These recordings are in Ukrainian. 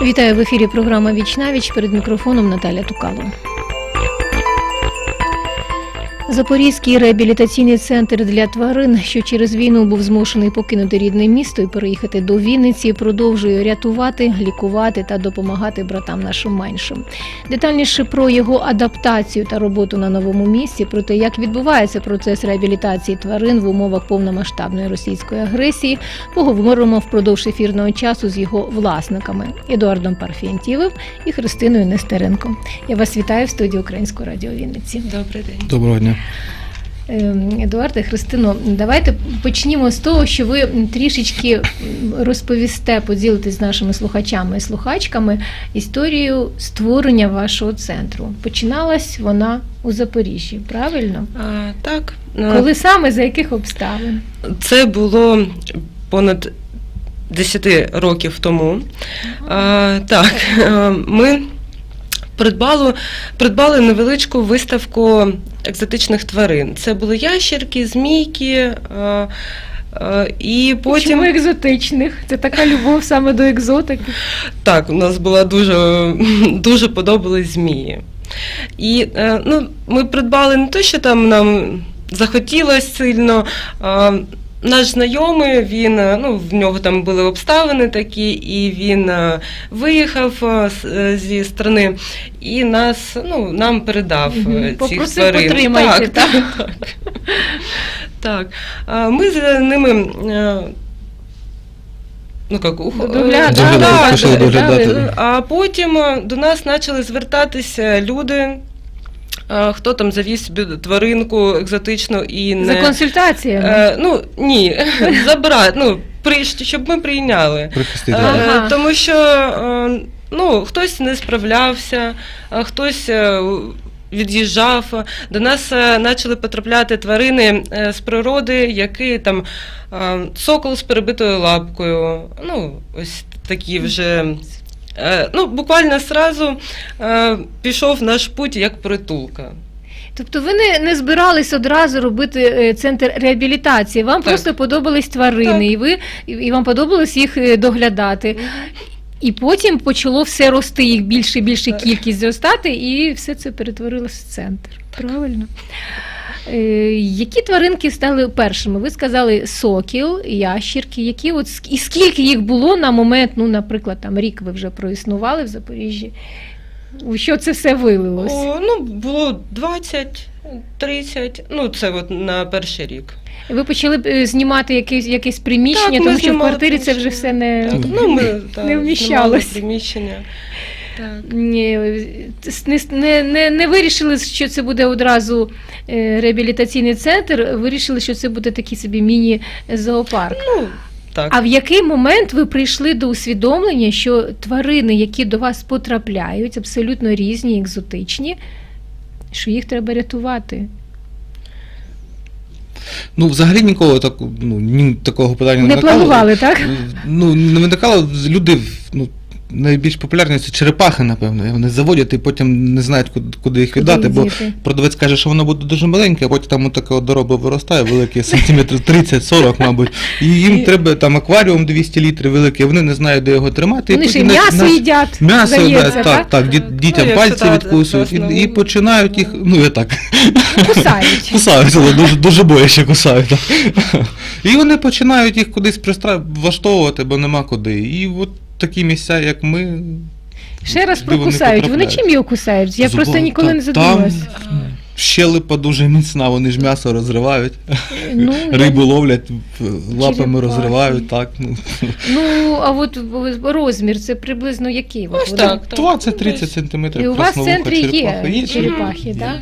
Вітаю, в ефірі програма «Віч-на-віч», перед мікрофоном Наталя Тукало. Запорізький реабілітаційний центр для тварин, що через війну був змушений покинути рідне місто і переїхати до Вінниці, продовжує рятувати, лікувати та допомагати братам нашим меншим. Детальніше про його адаптацію та роботу на новому місці, про те, як відбувається процес реабілітації тварин в умовах повномасштабної російської агресії, поговоримо впродовж ефірного часу з його власниками – Едуардом Парфентьєвим і Христиною Нестеренко. Я вас вітаю в студії Українського радіо Вінниці. Добрий день. Доброго дня. Едуарде, Христино, давайте почнімо з того, що ви трішечки розповісте, поділитесь з нашими слухачами і слухачками історію створення вашого центру. Починалась вона у Запоріжжі, правильно? Так. Коли саме, за яких обставин? Це було понад 10 років тому. Так, ми придбали невеличку виставку екзотичних тварин. Це були ящерки, змійки, і потім... Чому екзотичних? Це така любов саме до екзотики? Так, у нас була дуже подобались змії. І ми придбали не те, що там нам захотілося сильно. Наш знайомий, в нього там були обставини такі, і він виїхав зі країни і нам передав цих попросив, тварин. потримайте, так? Так. Ми за ними доглядати. А потім до нас почали звертатися люди, хто там завіз собі тваринку екзотичну і не... За консультаціями? Ні, щоб ми прийняли. Прихистити. Тому що хтось не справлявся, хтось від'їжджав. До нас почали потрапляти тварини з природи, які там сокол з перебитою лапкою, ось такі вже... буквально одразу пішов наш путь як притулка. Тобто ви не збирались одразу робити центр реабілітації, вам просто подобались тварини, і вам подобалось їх доглядати. І потім почало все рости, їх більше і більше кількість зростати, і все це перетворилось в центр. Правильно? Які тваринки стали першими? Ви сказали сокіл, ящірки. І скільки їх було на момент, наприклад, рік ви вже проіснували в Запоріжжі? У що це все вилилось? Було 20, 30, це на перший рік. Ви почали знімати якесь приміщення, тому що в квартирі це вже все не вміщалось. Приміщення. Так. Не вирішили, що це буде одразу реабілітаційний центр, вирішили, що це буде такий собі міні-зоопарк. Так. А в який момент ви прийшли до усвідомлення, що тварини, які до вас потрапляють, абсолютно різні, екзотичні, що їх треба рятувати? Взагалі ніколи такого питання не виникало. Не планували, так? Не виникало. Люди, найбільш популярні це черепахи, напевно. Вони заводять і потім не знають, куди їх віддати, бо продавець каже, що воно буде дуже маленьке, а потім там таке дорога виростає, велике, сантиметрів 30-40, мабуть. І їм треба там акваріум 200 літрів великий, вони не знають, де його тримати. Вони ще м'ясо їдять, здається, так? Дітям пальці відкусують і починають їх, кусають. Кусають, але дуже бояче кусають. І вони починають їх кудись влаштовувати, бо нема куди. І от такі місця, як ми... Ще раз прокусають. Вони чим його кусають? Я просто ніколи не задумалась. Там щелепа дуже міцна, вони ж м'ясо розривають, рибу ловлять, лапами розривають, так. А от розмір, це приблизно який? 20-30 сантиметрів. І у вас в центрі є черепахи, так?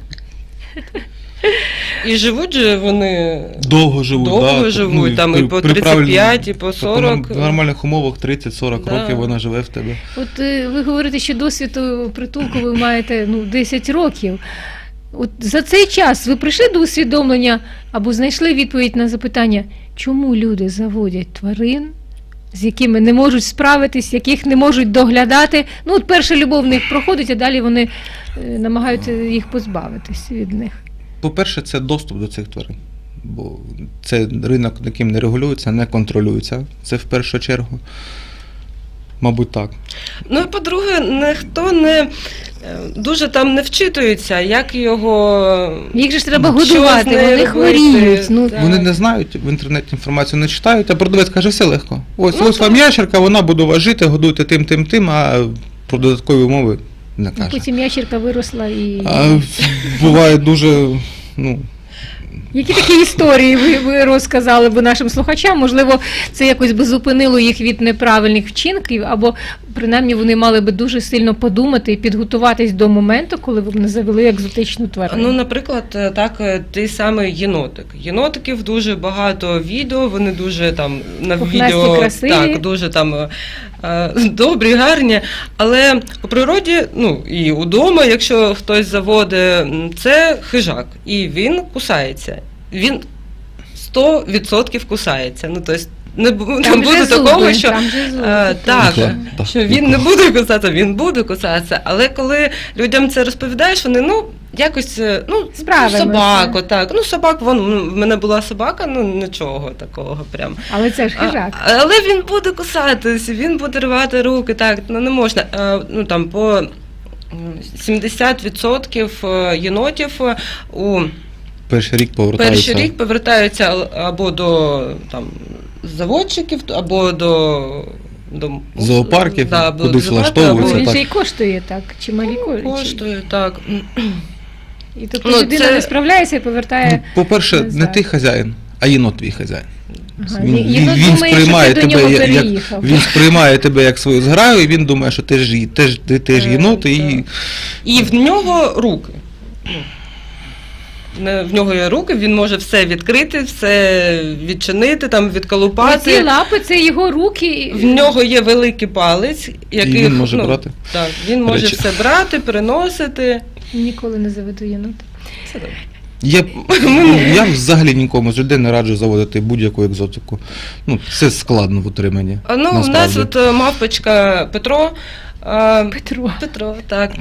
І живуть же вони... Довго живуть, там і по 35, і по 40. В нормальних умовах 30-40 років вона живе в тебе. От ви говорите, що досвід притулку ви маєте 10 років. От за цей час ви прийшли до усвідомлення або знайшли відповідь на запитання, чому люди заводять тварин, з якими не можуть справитись, яких не можуть доглядати. Перша любов в них проходить, а далі вони намагаються їх позбавитись від них. По-перше, це доступ до цих тварин. бо це ринок, яким не регулюється, не контролюється, це в першу чергу. Мабуть, так. Ну і по-друге, ніхто не дуже там не вчитується, як його. Їх же ж треба що годувати, з нею вони робити. хворіють. Ну, Так. Вони не знають, в інтернеті інформацію не читають, а продавець каже, все легко. Ось, Ну, ось вам ящерка, вона буде у вас жити, годуйте тим, а про додаткові умови не каже. потім ящерка виросла і... А буває дуже, ну, Які такі історії ви розказали б нашим слухачам? Можливо, це якось би зупинило їх від неправильних вчинків, або принаймні вони мали би дуже сильно подумати і підготуватись до моменту, коли ви б не завели екзотичну тварину. Ну, наприклад, так, той самий єнотик. Єнотиків дуже багато відео, вони дуже там на Пухнасті, відео красиві. так, дуже там добрі, гарні. Але у природі, ну і удома, якщо хтось заводить, це хижак, і він кусається. Він 100% кусається. Ну, тобто, не буде такого, що там же зуби. так, Так, що він не буде кусатися, він буде кусатися. Але коли людям це розповідаєш, вони якось Справимося. собаку, так. Ну, собак, в мене була собака, нічого такого прям. Але це ж хижак. Але він буде кусатись, він буде рвати руки, так, не можна. Ну там по 70% єнотів у перший рік повертаються. або до там заводчиків, або до зоопарків, або кудись до зоопарку, влаштовуються. Він так. же і коштує так, чималі коштує, так. І тобто людина не справляється і повертає. Ну, по-перше, не назад. ти хазяїн, а єнот твій хазяїн. Ага, Він думає, сприймає що ти до тебе нього як переїхав. він сприймає тебе як свою зграю, і він думає, що ти теж єнот, і І в нього руки. В нього є руки, він може все відкрити, все відчинити, там Ці відколупати. лапи це його руки. В нього є великий палець, який він може брати. Так, він може речі. все брати, переносити. Ніколи не заведу єнота. Це добре. Я взагалі нікому з людей не раджу заводити будь-яку екзотику. Ну, це складно в утриманні. У нас насправді. от мавпочка Петро. Петро, так.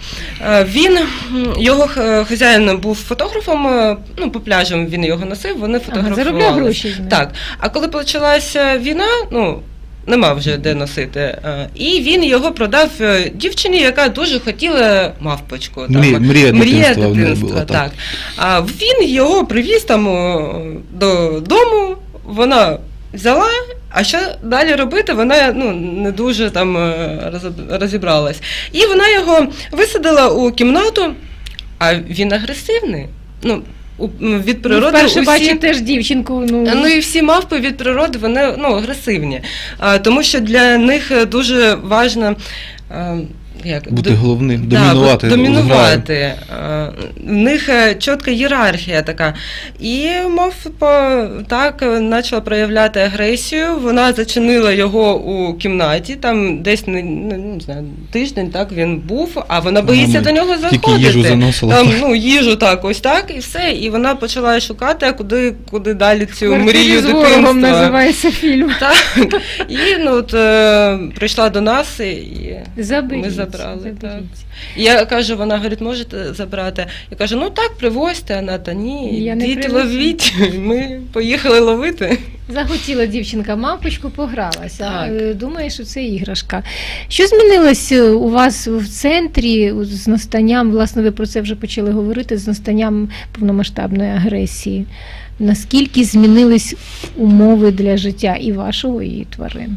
Його хазяїн був фотографом, по пляжам він його носив, вони фотографували. Заробляв гроші з ним. Так. А коли почалася війна, нема вже де носити. І він його продав дівчині, яка дуже хотіла мавпочку. Мрія дитинства в неї була, так. А він його привіз там додому, вона взяла, а що далі робити, вона не дуже там розібралась. І вона його висадила у кімнату, а він агресивний. Від природи вперше бачить теж дівчинку. І всі мавпи від природи, вони агресивні. Тому що для них дуже важливо бути головним, домінувати. домінувати. В них чітка ієрархія така. І мавпа так почала проявляти агресію. Вона зачинила його у кімнаті, там десь не знаю, тиждень так він був, а вона боїться до нього заходити. Тільки їжу заносила. Там, їжу так, ось так, і все. І вона почала шукати, куди далі цю мрію з ворогом дитинства. називається фільм. Так. І прийшла до нас і Заберіть. ми забрали. Заберіть. Так. Я кажу, вона говорить, можете забрати? Я кажу, так, привозьте, вона, та ні, Я не йдіть привезу. ловіть. Ми поїхали ловити. Захотіла дівчинка мавпочку, погралася. Так. Думає, що це іграшка. Що змінилось у вас в центрі з настанням, власне, ви про це вже почали говорити, з настанням повномасштабної агресії? Наскільки змінились умови для життя і вашого, і тварин?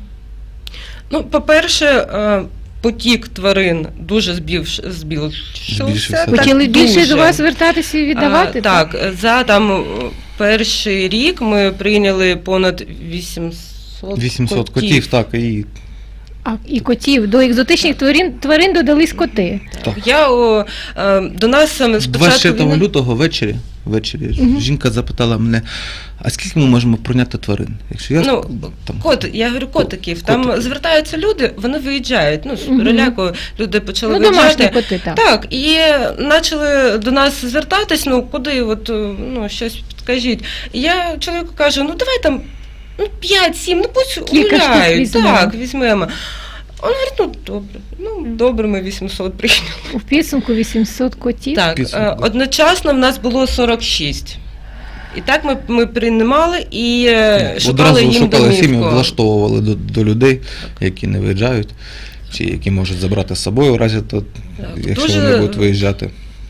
По-перше, потік тварин дуже збільшився. Почали більше дуже. до вас звертатися і віддавати? Так, за перший рік ми прийняли понад 800 котів, так, і І котів. До екзотичних тварин додались коти. так. До нас спочатку 24 лютого ввечері жінка запитала мене, а скільки ми можемо прийняти тварин? Якщо я я говорю, котиків. Там звертаються люди, вони виїжджають. З переляку люди почали домашні виїжджати. коти, так. Так, і почали до нас звертатись, куди, щось підкажіть. І я чоловіку кажу, давай там 5-7, пусть Кілька штук гуляють. візьмемо. Так, візьмемо. Він говорить, добре. Добре, ми 800 прийняли. У підсумку 800 котів. Так, одночасно в нас було 46. І так ми приймали і шукали одразу їм шукали сім'ї, домівку. влаштовували до людей, які не виїжджають. чи які можуть забрати з собою в разі, якщо дуже... вони будуть виїжджати.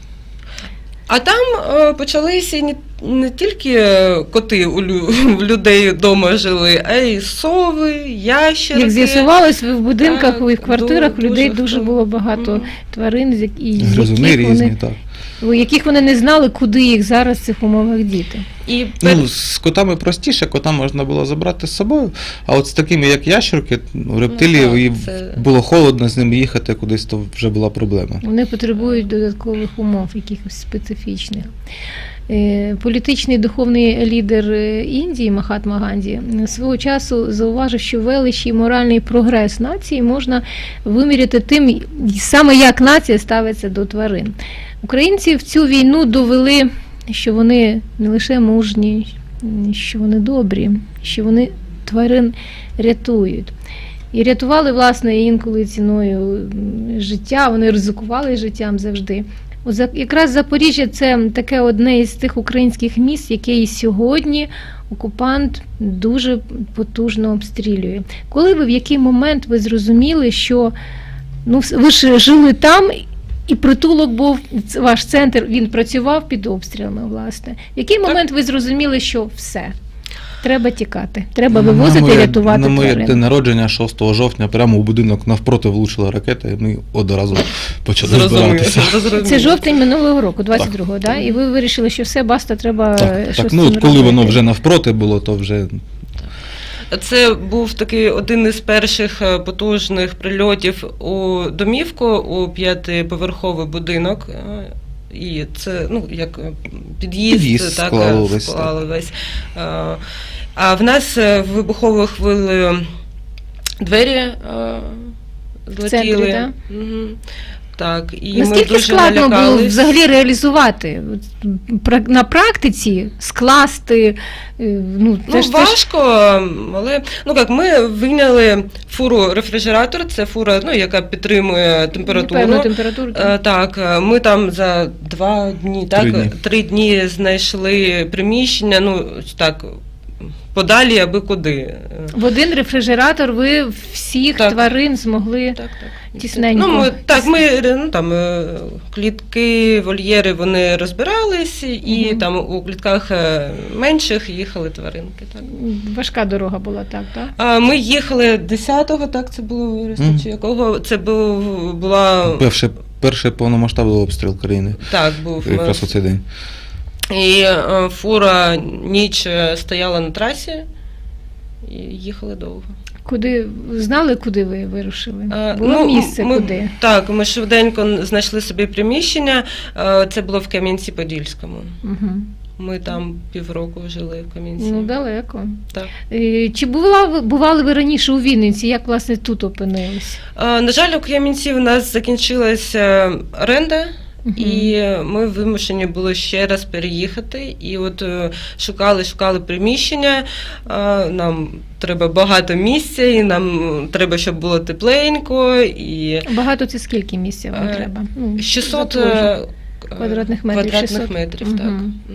А там почалися не тільки коти у людей вдома жили, а й сови, ящерки. Як з'ясувалось, в будинках і в квартирах у людей дуже дуже було багато тварин, Гризуни різні, так. яких вони не знали, куди їх зараз в цих умовах діти. І з котами простіше, кота можна було забрати з собою, а от з такими, як ящерки, рептилії, було холодно з ними їхати кудись, то вже була проблема. Вони потребують додаткових умов, якихось специфічних. Політичний духовний лідер Індії Махатма Ганді свого часу зауважив, що велич і моральний прогрес нації можна виміряти тим, саме як нація ставиться до тварин. Українці в цю війну довели, що вони не лише мужні, що вони добрі, що вони тварин рятують. І рятували, власне, інколи ціною життя, вони ризикували життям завжди. От якраз Запоріжжя – це таке одне із тих українських міст, яке і сьогодні окупант дуже потужно обстрілює. Коли в який момент ви зрозуміли, що ви ж жили там, і притулок був, ваш центр, він працював під обстрілами, власне. В який момент ви зрозуміли, що все, треба тікати, треба вивозити і рятувати тварин? На моє день народження 6 жовтня прямо у будинок навпроти влучила ракета, і ми одразу почали збиратися. Це жовтень минулого року, 22-го, да? І ви вирішили, що все, баста, треба щось так, з цим робити. Коли воно вже навпроти було, то вже... Це був такий один із перших потужних прильотів у домівку, у 5-поверховий будинок. І це, як під'їзд так, склали весь. А в нас вибуховою хвилею двері злетіли. Так? Угу. Так, і наскільки ми дуже складно налякались. було взагалі реалізувати, на практиці скласти? Важко, але ми вийняли фуру-рефрижератор, це фура, яка підтримує температуру. Певну температуру. Так, ми там за 2 дні, 3 дні знайшли приміщення, подалі аби куди. В один рефрижератор ви всіх тварин змогли тісненько. Клітки, вольєри, вони розбирались, і там у клітках менших їхали тваринки. Так. Важка дорога була, так? Ми їхали 10-го, так, це було вересня, чи якого, це була... Перший повномасштабний обстріл країни. Так, був. Якраз у цей день. І фура ніч стояла на трасі, і їхали довго. Знали, куди ви вирушили? Було місце, куди? Так, ми швиденько знайшли собі приміщення, це було в Кам'янці-Подільському. Угу. Ми там півроку жили в Кам'янці. Далеко. Так. Чи бували ви раніше у Вінниці? Як, власне, тут опинились? На жаль, у Кам'янці в нас закінчилася оренда. І ми вимушені були ще раз переїхати, і от шукали приміщення, нам треба багато місця, і нам треба, щоб було тепленько. І... Багато – це скільки місця вам треба? 600 квадратних метрів, так.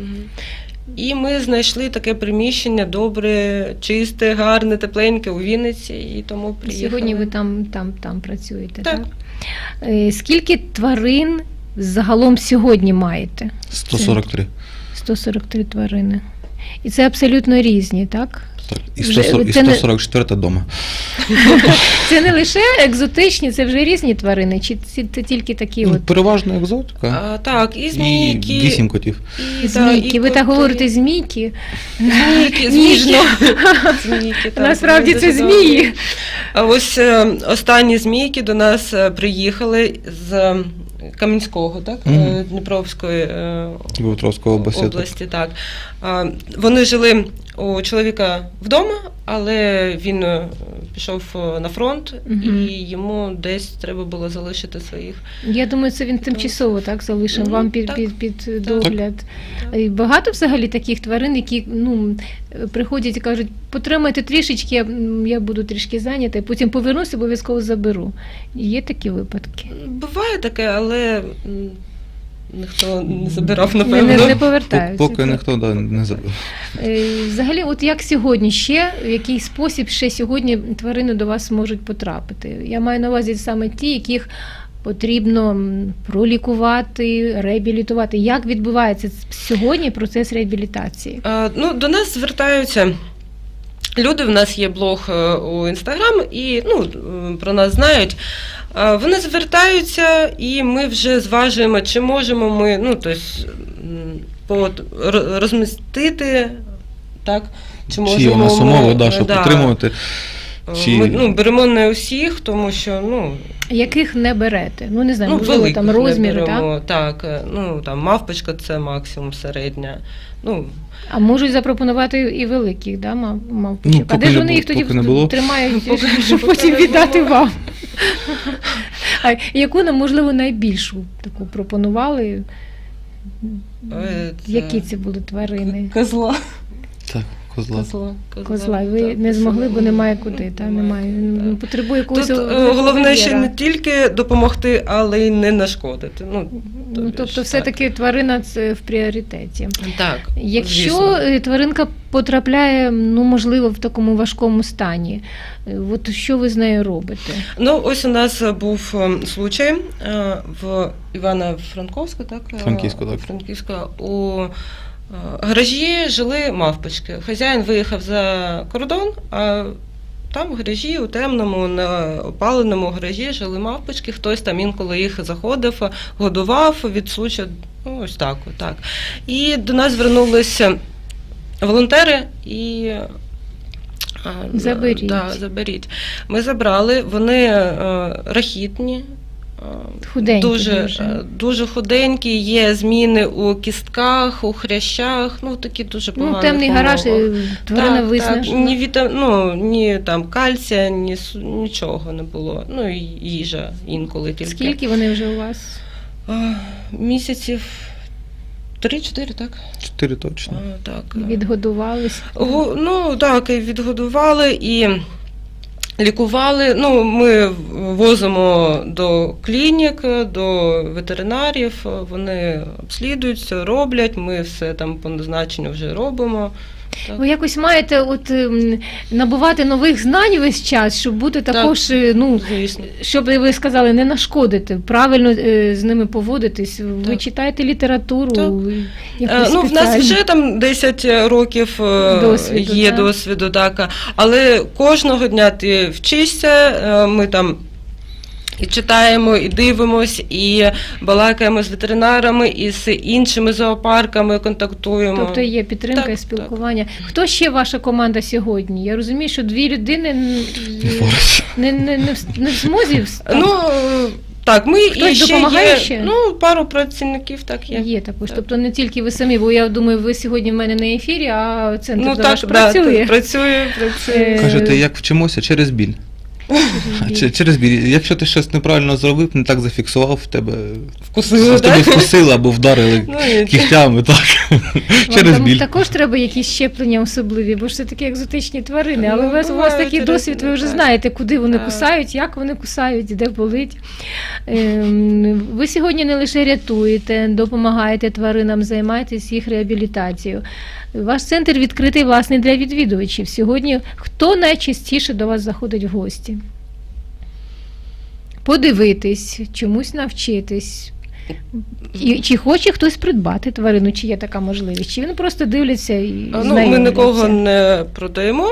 І ми знайшли таке приміщення добре, чисте, гарне, тепленьке у Вінниці, і тому приїхали. Сьогодні ви там працюєте, так? Так. Скільки тварин загалом сьогодні маєте? 143. 143 тварини. І це абсолютно різні, так? Так, і 144 вдома. Це не лише екзотичні, це вже різні тварини, чи це тільки такі от? Переважно екзотика. Так, і змійки. І 8 котів. І змійки. Ви так говорите змійки? Ніжно. Насправді це змії. А ось останні змійки до нас приїхали з Кам'янського, так? Дніпровської області. Так. Вони жили у чоловіка вдома, але він пішов на фронт, і йому десь треба було залишити своїх. Я думаю, це він тимчасово так залишив вам під догляд. Так. Багато взагалі таких тварин, які приходять і кажуть, потримайте трішечки, я буду трішки зайнята, потім повернуся, обов'язково заберу. Є такі випадки? Буває таке, але ніхто не забирав, Не напевно. повертаються. Поки ніхто не забив. Взагалі, от як сьогодні ще, в який спосіб ще сьогодні тварини до вас можуть потрапити? Я маю на увазі саме ті, яких потрібно пролікувати, реабілітувати. Як відбувається сьогодні процес реабілітації? Ну, до нас звертаються люди, в нас є блог у Інстаграм, і про нас знають. Вони звертаються, і ми вже зважуємо, чи можемо ми розмістити, так? Чи є у нас умови, щоб підтримувати? Ми беремо не усіх, тому що, яких не берете? Не знаю, можливо, там розміри, так? Так, там мавпочка – це максимум середня. А можуть запропонувати і великих, да, мавпочок? А де ж вони їх тоді тримають, щоб потім віддати вам? А яку нам, можливо, найбільшу таку пропонували? Які це були тварини? Козла. Так. Козла. Ви не змогли, бо немає куди, немає. Потребує якогось. Тут головне ще не тільки допомогти, але й не нашкодити. Тобто все-таки тварина це в пріоритеті. Так. Якщо тваринка потрапляє, можливо, в такому важкому стані, от що ви з нею робите? Ось у нас був случай в Івано-Франковську, так? Франківська, у гаражі жили мавпочки. Хазяїн виїхав за кордон, а там в гаражі, у темному, на опаленому гаражі жили мавпочки. Хтось там інколи їх заходив, годував від случаю, ось так. І до нас звернулися волонтери і заберіть. Ми забрали, вони рахітні. Дуже худенькі, є зміни у кістках, у хрящах, такі дуже погані. Темний гараж, тварина виснажена. Ні там кальція, нічого не було. І їжа інколи тільки. Скільки вони вже у вас? Місяців 3-4, так? 4 точно. Так. Відгодувались? Так, і відгодували, і лікували. Ми возимо до клінік, до ветеринарів, вони обслідуються, роблять, ми все там по назначенню вже робимо. Так. Ви якось маєте набувати нових знань весь час, щоб бути також, щоб ви сказали, не нашкодити, правильно з ними поводитись. Ви читаєте літературу? В нас вже там 10 років є досвіду, так. Але кожного дня ти вчишся, ми там і читаємо, і дивимось, і балакаємо з ветеринарами, і з іншими зоопарками контактуємо. Тобто є підтримка і спілкування. Так. Хто ще ваша команда сьогодні? Я розумію, що 2 людини не в змозі. Так, ми і ще допомагає ще? Пару працівників так є. Є також, тобто не тільки ви самі, бо я думаю, ви сьогодні в мене на ефірі, а центр ваш працює. Працює. Кажете, як вчимося? Через біль. Через біль. Якщо ти щось неправильно зробив, не так зафіксував, в тебе вкусили або вдарили кігтями, так. Через біль. Також треба якісь щеплення особливі, бо ж це такі екзотичні тварини, але у вас такий досвід, ви вже знаєте, куди вони кусають, як вони кусають, де болить. Ви сьогодні не лише рятуєте, допомагаєте тваринам, займаєтесь їх реабілітацією. Ваш центр відкритий, власне, для відвідувачів. Сьогодні хто найчастіше до вас заходить в гості? Подивитись, чомусь навчитись. Чи хоче хтось придбати тварину, чи є така можливість? Чи він просто дивляться і знайомляться? Ми нікого не продаємо.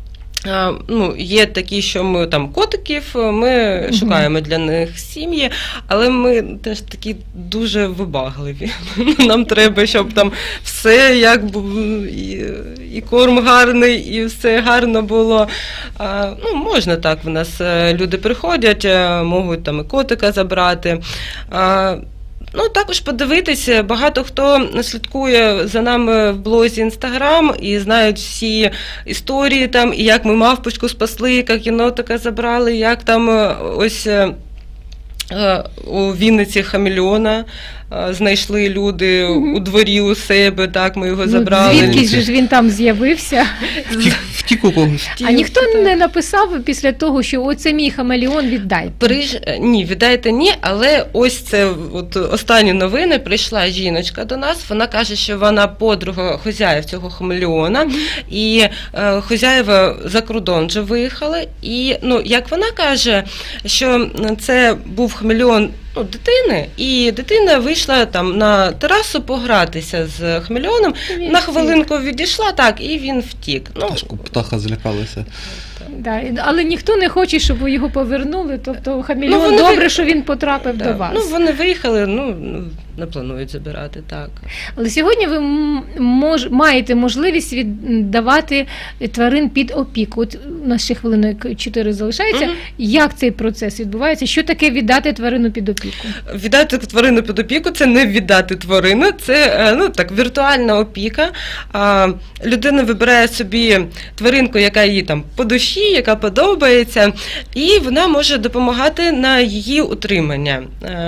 Є такі, що ми там котиків, ми шукаємо для них сім'ї, але ми теж такі дуже вибагливі. Нам треба, щоб там все, і корм гарний, і все гарно було. Можна так, в нас люди приходять, можуть там і котика забрати. Також подивитися, багато хто слідкує за нами в блозі Інстаграм і знають всі історії там, і як ми мавпочку спасли, як єнотика забрали, як там ось у Вінниці хамелеона знайшли люди у дворі у себе, так, ми його забрали. Звідки ж він там з'явився? Втік у когось. А ніхто не написав після того, що оце мій хамелеон, віддайте? Ні, віддайте ні, але ось це от останні новини, прийшла жіночка до нас, вона каже, що вона подруга хозяїв цього хамелеона, і хозяїва за кордон вже виїхали, і, ну, як вона каже, що це був хамелеон, ну, дитини, і дитина вийшла там на терасу погратися з хамелеоном, на хвилинку відійшла, так, і він втік. Ну, Птаха злякалася. Да, але ніхто не хоче, щоб його повернули, тобто хамелеон, добре, що він потрапив до вас. Ну, вони виїхали, ну, не планують забирати, так. Але сьогодні ви маєте можливість віддавати тварин під опіку. От у нас ще хвилинок 4 залишається. Як цей процес відбувається? Що таке віддати тварину під опіку? Віддати тварину під опіку – це не віддати тварину, це, ну, так, віртуальна опіка. Людина вибирає собі тваринку, яка їй там по душі, яка подобається, і вона може допомагати на її утримання.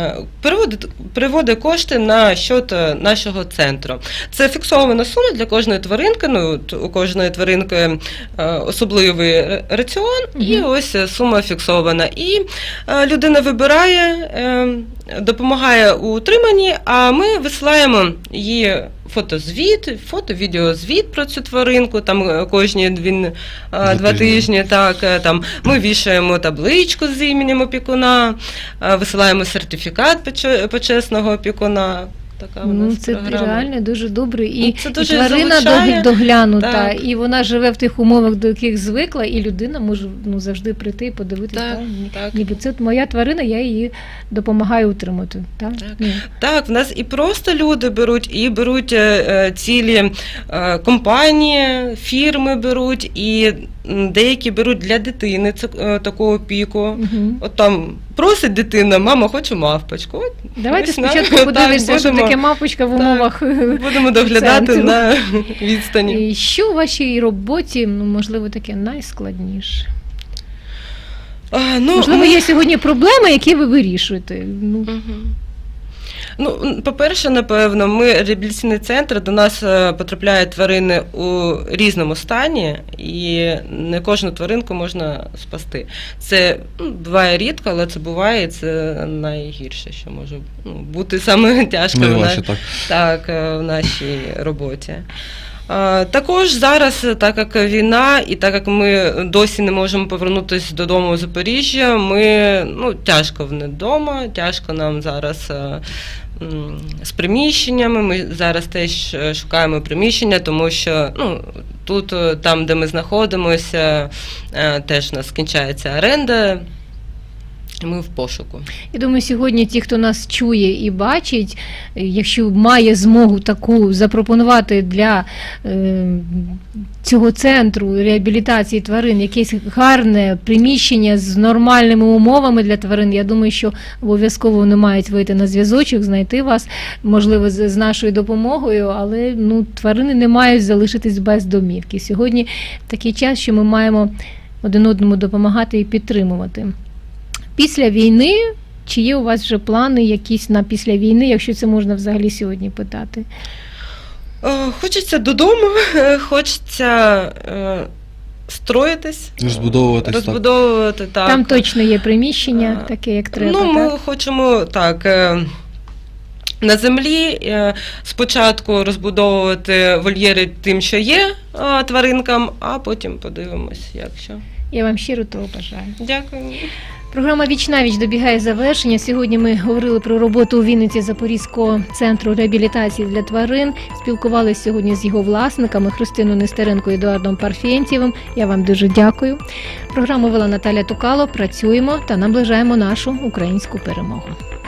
Переводить кошти на счет нашого центру. Це фіксована сума для кожної тваринки, ну, у кожної тваринки особливий раціон, і ось сума фіксована. І людина вибирає, допомагає у утриманні, а ми висилаємо їй фотозвіт, фото-відеозвіт про цю тваринку, там кожні 2 тижні, так, там ми вішаємо табличку з іменем опікуна, висилаємо сертифікат почесного опікуна. Така у нас це програма. Реально дуже добре. І, це дуже і тварина залучає. доглянута, Так. і вона живе в тих умовах, до яких звикла, і людина може, ну, завжди прийти і подивитися. Так. Ніби це моя тварина, я її допомагаю утримати. Так? Так, в нас і просто люди беруть, і беруть цілі компанії, фірми беруть, і деякі беруть для дитини таку опіку. От там просить дитина, мама, хочу мавпочку. От, давайте спочатку подивимося, що таке мавпочка в умовах. Будемо доглядати центру. На відстані. І що у вашій роботі, ну, можливо, таке найскладніше? Можливо, є сьогодні проблеми, які ви вирішуєте. Ну, по-перше, напевно, ми реабілітаційний центр, до нас потрапляють тварини у різному стані, і не кожну тваринку можна спасти. Це буває рідко, але це буває, і це найгірше, що може бути саме тяжко в нашій роботі. Також зараз, так як війна, і так як ми досі не можемо повернутися додому у Запоріжжя, тяжко вдома, тяжко нам зараз з приміщеннями, ми зараз теж шукаємо приміщення, тому що тут, там, де ми знаходимося, теж у нас скінчається оренда. Ми в пошуку. Я думаю, сьогодні ті, хто нас чує і бачить, якщо має змогу таку запропонувати для цього центру реабілітації тварин якесь гарне приміщення з нормальними умовами для тварин, я думаю, що обов'язково вони мають вийти на зв'язочок, знайти вас, можливо, з нашою допомогою, але тварини не мають залишитись без домівки. Сьогодні такий час, що ми маємо один одному допомагати і підтримувати. Після війни, чи є у вас вже плани якісь на після війни, якщо це можна взагалі сьогодні питати? Хочеться додому, хочеться строїтись, розбудовувати. Так. Там точно є приміщення, таке, як треба. Ми хочемо так. На землі спочатку розбудовувати вольєри тим, що є тваринкам, а потім подивимось, як що. Я вам щиро того бажаю. Дякую. Програма «Віч-на-віч» добігає завершення. Сьогодні ми говорили про роботу у Вінниці Запорізького центру реабілітації для тварин. Спілкувалися сьогодні з його власниками Христиною Нестеренко і Едуардом Парфєнтєвим. Я вам дуже дякую. Програму вела Наталя Тукало. Працюємо та наближаємо нашу українську перемогу.